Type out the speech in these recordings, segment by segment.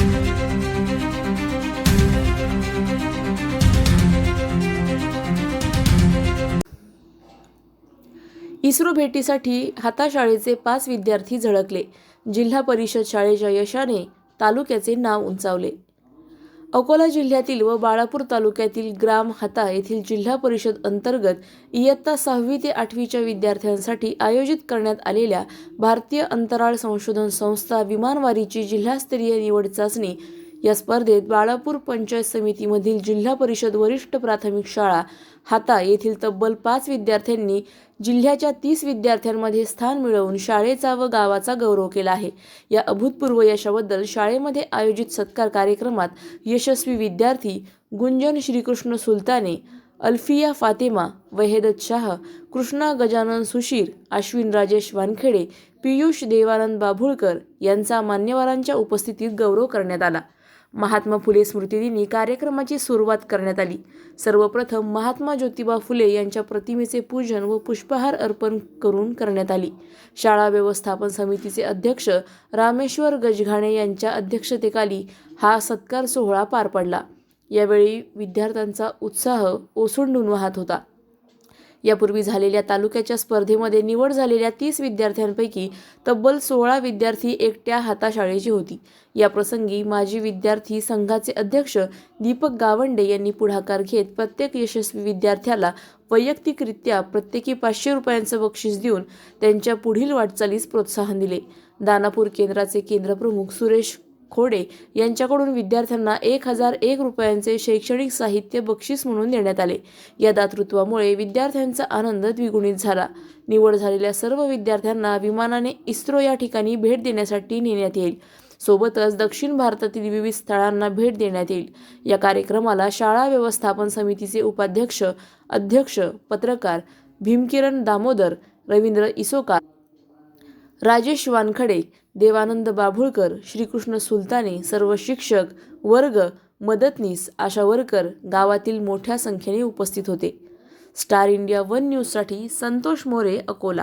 इस्रो भेटीसाठी हाताशाळेचे 5 विद्यार्थी झळकले. जिल्हा परिषद शाळेच्या यशाने तालुक्याचे नाव उंचावले. अकोला जिल्ह्यातील व बाळापूर तालुक्यातील ग्राम हाता येथील जिल्हा परिषद अंतर्गत इयत्ता 6वी ते 8वीच्या विद्यार्थ्यांसाठी आयोजित करण्यात आलेल्या भारतीय अंतराळ संशोधन संस्था विमानवारीची जिल्हास्तरीय निवड चाचणी या स्पर्धेत बाळापूर पंचायत समितीमधील जिल्हा परिषद वरिष्ठ प्राथमिक शाळा हाता येथील तब्बल 5 विद्यार्थ्यांनी जिल्ह्याच्या 30 विद्यार्थ्यांमध्ये स्थान मिळवून शाळेचा व गावाचा गौरव केला आहे. या अभूतपूर्व यशाबद्दल शाळेमध्ये आयोजित सत्कार कार्यक्रमात यशस्वी विद्यार्थी गुंजन श्रीकृष्ण सुलताने, अल्फिया फातेमा, वहेदत शाह, कृष्णा गजानन सुशीर, अश्विन राजेश वानखेडे, पियुष देवानंद बाभुळकर यांचा मान्यवरांच्या उपस्थितीत गौरव करण्यात आला. महात्मा फुले स्मृतिदिनी कार्यक्रमाची सुरुवात करण्यात आली. सर्वप्रथम महात्मा ज्योतिबा फुले यांच्या प्रतिमेचे पूजन व पुष्पहार अर्पण करून करण्यात आली. शाळा व्यवस्थापन समितीचे अध्यक्ष रामेश्वर गजघाणे यांच्या अध्यक्षतेखाली हा सत्कार सोहळा पार पडला. यावेळी विद्यार्थ्यांचा उत्साह ओसंडून वाहत होता. यापूर्वी झालेल्या तालुक्याच्या स्पर्धेमध्ये निवड झालेल्या 30 विद्यार्थ्यांपैकी तब्बल 16 विद्यार्थी एकट्या हाताशाळेची होती. या प्रसंगी माजी विद्यार्थी संघाचे अध्यक्ष दीपक गावंडे यांनी पुढाकार घेत प्रत्येक यशस्वी विद्यार्थ्याला वैयक्तिकरित्या प्रत्येकी 500 रुपयांचं बक्षीस देऊन त्यांच्या पुढील वाटचालीस प्रोत्साहन दिले. दानापूर केंद्राचे केंद्रप्रमुख सुरेश खोडे यांच्याकडून विद्यार्थ्यांना 1001 रुपयांचे शैक्षणिक साहित्य बक्षीस म्हणून देण्यात आले. या दातृत्वामुळे विद्यार्थ्यांचा आनंद द्विगुणित झाला. निवड झालेल्या सर्व विद्यार्थ्यांना विमानाने इस्रो या ठिकाणी भेट देण्यासाठी नेण्यात येईल. सोबतच दक्षिण भारतातील विविध स्थळांना भेट देण्यात येईल. या कार्यक्रमाला शाळा व्यवस्थापन समितीचे उपाध्यक्ष, अध्यक्ष, पत्रकार भीमकिरण दामोदर, रवींद्र इसोकार, राजेश वानखडे, देवानंद बाभुळकर, श्रीकृष्ण सुलताने, सर्व शिक्षक, वर्ग, मदतनीस, आशा वर्कर गावातील मोठ्या संख्येने उपस्थित होते. स्टार इंडिया 1 न्यूजसाठी संतोष मोरे, अकोला.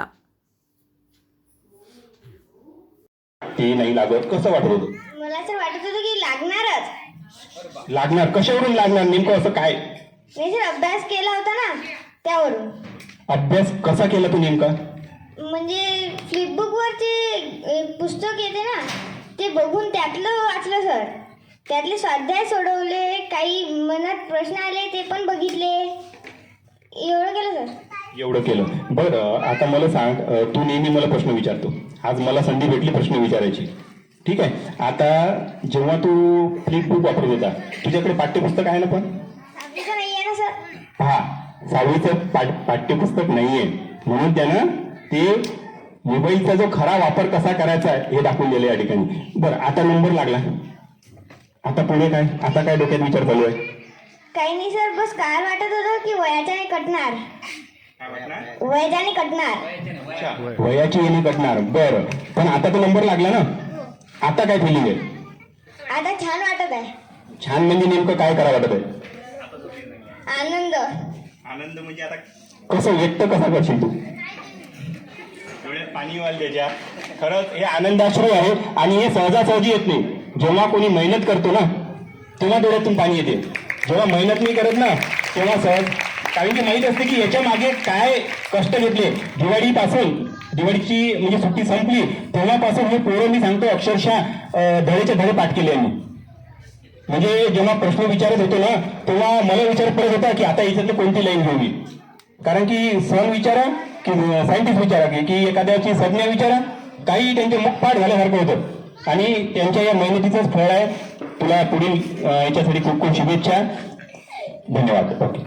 ते नाही लागत कसं वाटत होतं? मला तर वाटत होतं की लागणारच. लागणार कशावरून लागणार नेमकं असं काय? मी जर अभ्यास केला होता ना त्यावरून. अभ्यास कसा केला तू नेमका? म्हणजे फ्लिपबुक वरचे पुस्तक येते ना ते बघून त्यातलं वाचलं सर. त्यातले स्वाध्याय सोडवले, काही मनात प्रश्न आले ते पण बघितले. एवढं केलं सर. एवढं केलं. बरं आता मला सांग, तू नेहमी मला प्रश्न विचारतो. आज मला संधी भेटली प्रश्न विचारायची. ठीक आहे. आता जेव्हा तू फ्लिपबुक वापरत होता तुझ्याकडे पाठ्यपुस्तक आहे ना? पण आपल्याचं नाही आहे ना सर. हा, 6वीचं पाठ्यपुस्तक नाहीये म्हणून त्यानं ते मोबाईलचा जो खरा वापर कसा करायचा हे दाखवून दिले या ठिकाणी. बरं आता नंबर लागला, आता पुढे काय? आता काय डोक्यात विचार चालू आहे? काही नाही सर, बस काय वाटत होतं की वयाच्याने कटणार. वयाच्याने कटणार. वयाची येणे कटणार. बरं पण आता तो नंबर लागला ना, आता काय फिलिंग आहे? आता छान वाटत आहे. छान म्हणजे नेमकं काय करा वाटत आहे? आनंद. आनंद म्हणजे आता कसं व्यक्त कसा करशील तू? डोळ्यात पाणी वाल त्याच्या. खरंच हे आनंदाश्रू आहे आणि हे सहजासहजी येत नाही. जेव्हा कोणी मेहनत करतो ना तेव्हा डोळ्यातून पाणी येते. जेव्हा मेहनत नाही करत ना तेव्हा सहज, कारण की माहीत असते की याच्या मागे काय कष्ट घेतले. दिवाळीची म्हणजे सुट्टी संपली तेव्हापासून हे पोरं मी सांगतो अक्षरशः धडेचे धडे पाठ केले यांनी. म्हणजे जेव्हा प्रश्न विचारत होतो ना तेव्हा मला विचार पडत होता की आता याच्यातली कोणती लाईन घेऊ मी. कारण की सण विचारा की सायंटिस्ट विचारा की एखाद्याची संज्ञा विचारा, काही त्यांचे मुख पाठ झाल्यासारखं होतं आणि त्यांच्या या मेहनतीचंच फळ आहे. तुला पुढील याच्यासाठी खूप खूप शुभेच्छा. धन्यवाद. ओके.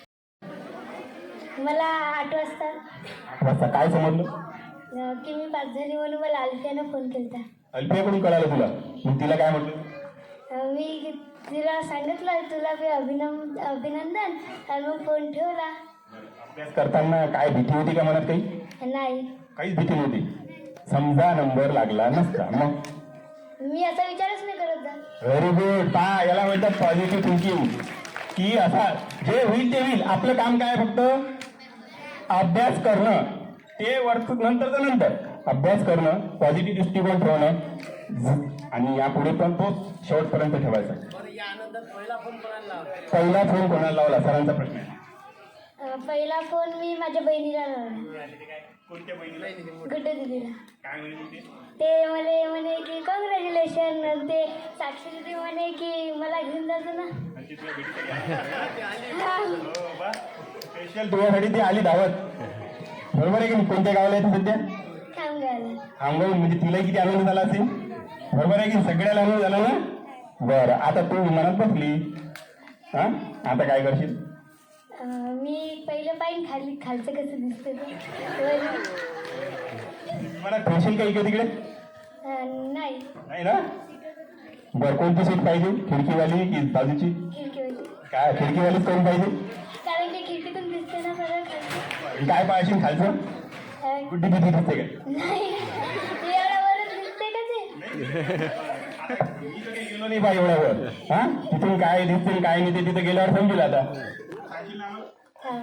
मला 8 वाजता काय समजलं? की मी पास झाली म्हणून मला अल्फियानं फोन केला. अल्फियाकडून कळालं तुला? मग तिला काय म्हटलं? मी तिला सांगितलं तुला मी अभिनंदन आणि मग फोन ठेवला. अभ्यास करताना काय भीती होती का मनात? काही नाही, काहीच भीती नव्हती. समजा नंबर लागला नसता मग? मी असा विचारच नाही करत जा. Very good. याला म्हणतात पॉझिटिव्ह थिंकिंग. की असा जे होईल ते होईल, आपलं काम काय फक्त अभ्यास करणं. ते नंतरचं नंतर अभ्यास करणं, पॉझिटिव्ह दृष्टिकोन ठेवणं आणि यापुढे पण तो शेवटपर्यंत ठेवायचा. पहिला फोन कोणाला लावला सरांचा प्रश्न आहे. पहिला फोन मी माझ्या बहिणीला लावला. कोणत्या बहिणीला? गुड्डू दिदीला. काय म्हणते? ते मला म्हणे की कॉंग्रॅच्युलेशन. ते साक्षी दिदी म्हणे की मला घेऊन जातो ना. स्पेशल तुझ्यासाठी ती आली धावत, बरोबर आहे की नाही? कोणत्या गावाला आहे ती सध्या? खामगावला. खामगाव. म्हणजे तिला किती आनंद झाला असेल, बरोबर आहे की? सगळ्याला आनंद झाला ना. बरं, आता तू विमानात बसली, हा आता काय करशील? मी पहिलं पाहिजे खालचं कसं दिसतं ते. मला ठेवशील का इकडे तिकडे? नाही, नाही ना. बरं, कोणती सीट पाहिजे? खिडकीवाली की बाजूची? खिडकीवाली. काय खिडकीवालीच कोण पाहिजे? कारण की खिडकीतून दिसते ना सगळं खालचं. काय पाहिजे खालचं? गुड्डी दिदी दिसते काय? नाही, एवढ्यावरच दिसते का ते? मी तर काही गेलो नाही बा एवढ्यावर. हा, तिथून काय दिसते काय नाही ते तिथे गेल्यावर समजेल. आता हा.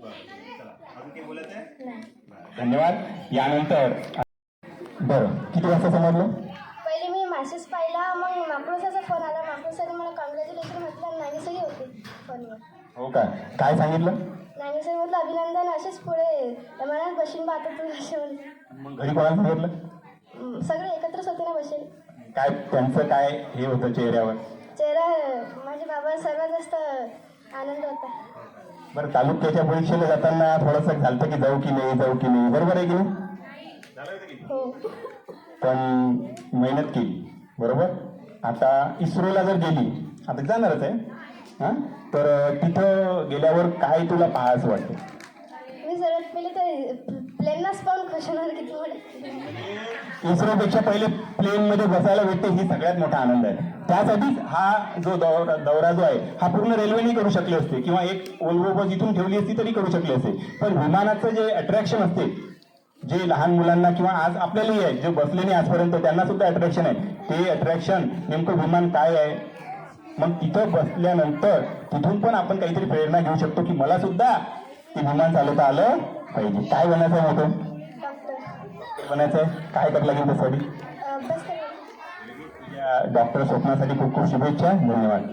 नाही. धन्यवाद. यानंतर बरं, किती वाजता समजलं? पहिले मी मॅसेज पाहिला, मग माकडूसाचा फोन आला. माकडूसाने मला कॉंग्रॅच्युलेशन म्हटलं. नानीसही होते फोनवर. हो का, काय सांगितलं? नानीसही म्हटलं अभिनंदन, असेच पुढे मनात बशीन पाहतो तू असे म्हणते. मग घरी कोणाला सांगितलं? सगळे एकत्रच होते ना बसेल. काय त्यांचं काय हे होतं चेहऱ्यावर? चेहरा माझे बाबा सर्वात जास्त आनंद होता. बरं, तालुक्याच्या परीक्षेला जाताना थोडंसं झालं की जाऊ की नाही, बरोबर आहे की नाही? हो. पण मेहनत केली, बरोबर. आता इस्रोला जर गेली, आता जाणारच आहे, हां, तर तिथं गेल्यावर काय तुला पाहायचं वाटतं? मी सर्वात पहिले तर प्लेनलाच पाहून खुश होणार किती मोठे. इस्रोपेक्षा पहिले प्लेनमध्ये बसायला भेटते, ही सगळ्यात मोठा आनंद आहे. त्यासाठीच हा जो दौरा जो आहे हा पूर्ण रेल्वेने करू शकले असते किंवा एक ओल्वो बस इथून ठेवली असती तरी करू शकले असते. पण विमानाचं जे अट्रॅक्शन असते, जे लहान मुलांना किंवा आज आपल्यालाही आहे, जे बसले नाही आजपर्यंत त्यांना सुद्धा अट्रॅक्शन आहे, ते अट्रॅक्शन नेमकं विमान काय आहे. मग तिथं बसल्यानंतर तिथून पण आपण काहीतरी प्रेरणा घेऊ शकतो की मला सुद्धा ते विमान चालवता आलं पाहिजे. काय बनायचं आहे मोठं? डॉक्टर. बनायचं आहे. काय करावं लागेल त्यासाठी? अभ्यास करायला. या डॉक्टर स्वप्नासाठी खूप खूप शुभेच्छा. धन्यवाद.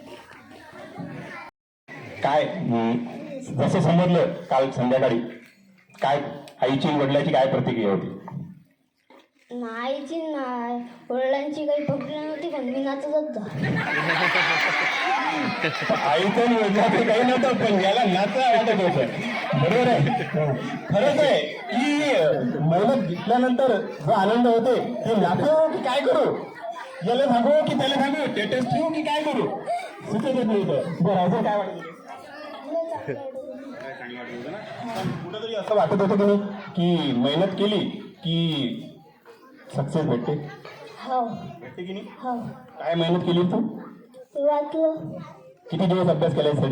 काय जसं समजलं काल संध्याकाळी, काय आईची वडिलांची काय प्रतिक्रिया होती? नाहीची नाही, वडिलांची काही पकडली नव्हती, पण मी नाचत होतो. आईचं आणि वडिलांचं काही नव्हतं, पण याला नाचा वाटत होतं, बरोबर आहे. खरंच आहे की मेहनत घेतल्यानंतर जो आनंद होते की नाचो की काय करू, याला सांगू की त्याला सांगू, स्टेटस ठेवू की काय करू, सुचतच नव्हतं. बरं, अजून काय वाटत? कुठंतरी असं वाटत होतं की नाही की मेहनत केली की सक्सेस भेटते? हो. भेटते की नाही? हो. काय मेहनत केली तू? वाचलं. किती दिवस अभ्यास केला यासाठी?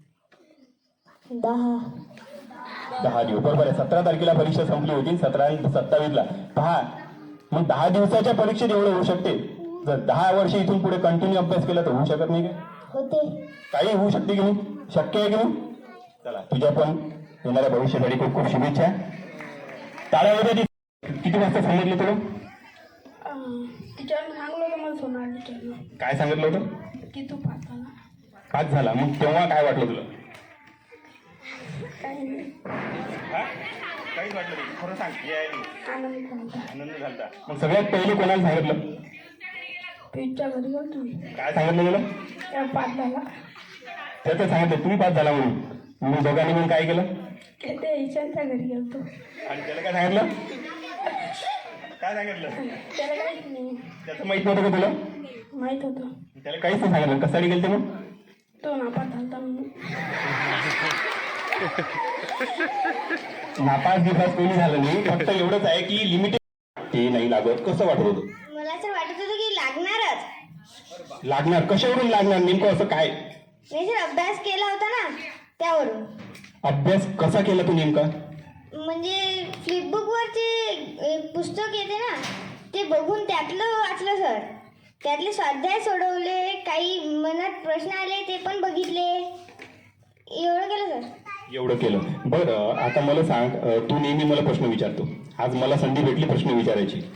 10 दिवस. बरोबर आहे. 17 तारखेला परीक्षा संपली होती, 17 आणि 27ला. पहा, मग 10 दिवसाच्या परीक्षेत एवढं होऊ शकते. जर 10 वर्ष इथून पुढे कंटिन्यू अभ्यास केला तर होऊ शकत नाही का? होते. काही होऊ शकते की नाही? शक्य आहे की नाही? चला, तुझ्या पण येणाऱ्या भविष्यासाठी खूप खूप शुभेच्छा. टाळ्या होत्या. किती वाजता सांगितलं तुला? टीचरने सांगलं होतं मला, सोनार टीचरनं. काय सांगितलं होतं? की तू पाहताना पाच झाला. मग तेव्हा काय वाटलं तुला? काही नाही, काहीच वाटलं नाही. खरं सांग. आनंद झाला. आनंद झाला. मग सगळ्यात पहिले कोणाला सांगितलं? पीठच्या घरी गेलो तुम्ही. काय सांगितलं तुला? त्या 5 झाला. त्याचं सांगितलं तुम्ही 5 झाला म्हणून. मग दोघांनी म्हणून काय केलं? ते ईशानच्या घरी गेलतो. आणि त्याला काय सांगितलं? काय सांगितलं? त्याला काहीच नाही त्याचं माहित नव्हतं का तुला? माहित होतं. त्याला काहीच नाही सांगितलं. कशासाठी गेलते मग? तो नापास झाला म्हणून. नापास दिवस कोणी झालं नाही, फक्त एवढंच आहे की लिमिटेड ते नाही लागत. कसं वाटत होतं? मला तर वाटत होतं की लागणारच. लागणार? कशावरून लागणार नेमकं? असं काय? मी जर अभ्यास केला होता ना त्यावरून. अभ्यास कसा केला तू नेमका? म्हणजे फ्लिपबुकवरचे पुस्तक येते ना ते बघून त्यातलं वाचलं सर. त्यातले स्वाध्याय सोडवले, काही मनात प्रश्न आले ते पण बघितले. एवढं केलं सर. एवढं केलं. बरं, आता मला सांग, तू नेहमी मला प्रश्न विचारतो. आज मला संधी भेटली प्रश्न विचारायची.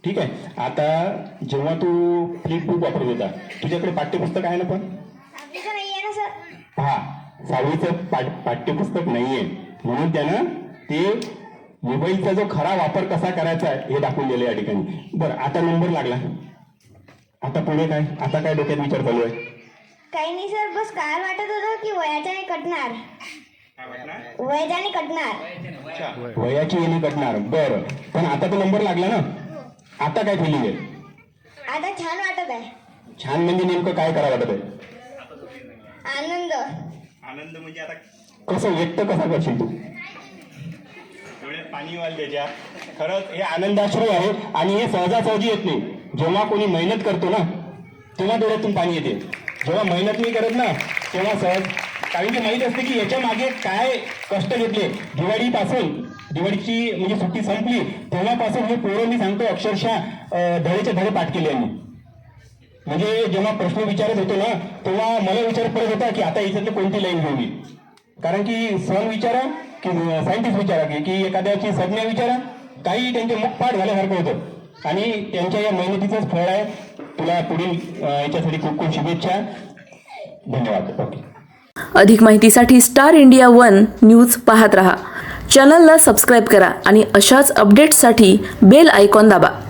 ठीक आहे. आता जेव्हा तू फ्लिपबुक वापरत होता तुझ्याकडे पाठ्यपुस्तक आहे ना? पण आपल्याचं नाही आहे ना सर. पहा, 6वीचं पाठ्यपुस्तक नाहीये म्हणून त्यानं ते मोबाईलचा जो खरा वापर कसा करायचा हे दाखवून दिलं या ठिकाणी. बरं, आता नंबर लागला, आता पुढे काय? आता काय डोक्यात विचार चालू आहे? काही नाही सर, बस काय वाटत होतं की वयाच्याने कटणार. वयाच्याने कटणार. वयाची येणे कटणार. बरं, पण आता तो नंबर लागला ना, आता काय फिलिंग आहे? आता छान वाटत आहे. छान म्हणजे नेमकं काय करा वाटत आहे? आनंद. आनंद म्हणजे आता कसं व्यक्त कसा करशील तू? डोळ्यात पाणी वाल त्याच्या. खरंच हे आनंदाश्रय आहे आणि हे सहजासहजी येत नाही. जेव्हा कोणी मेहनत करतो ना तेव्हा डोळ्यातून पाणी येते. जेव्हा मेहनत नाही करत ना तेव्हा सहज, कारण की माहीत असते की याच्या मागे काय कष्ट घेतले. दिवाळीची म्हणजे सुट्टी संपली तेव्हापासून हे पोरं मी सांगतो अक्षरशः धडेचे धडे पाठ केले यांनी. म्हणजे जेव्हा प्रश्न विचारत होतो ना तेव्हा मला विचार पडत होता की आता याच्यातली कोणती लाईन घेऊ मी. कारण की सण विचारा की सायंटिस्ट विचारा की एखाद्याची संज्ञा विचारा, काही त्यांचे मुखपाठ झाल्यासारखं होतं आणि त्यांच्या या मेहनतीचंच फळ आहे. तुला पुढील याच्यासाठी खूप खूप शुभेच्छा. धन्यवाद. ओके. अधिक माहितीसाठी स्टार इंडिया 1 न्यूज पाहत रहा. चॅनलला सबस्क्राईब करा आणि अशाच अपडेट्ससाठी बेल आयकॉन दाबा.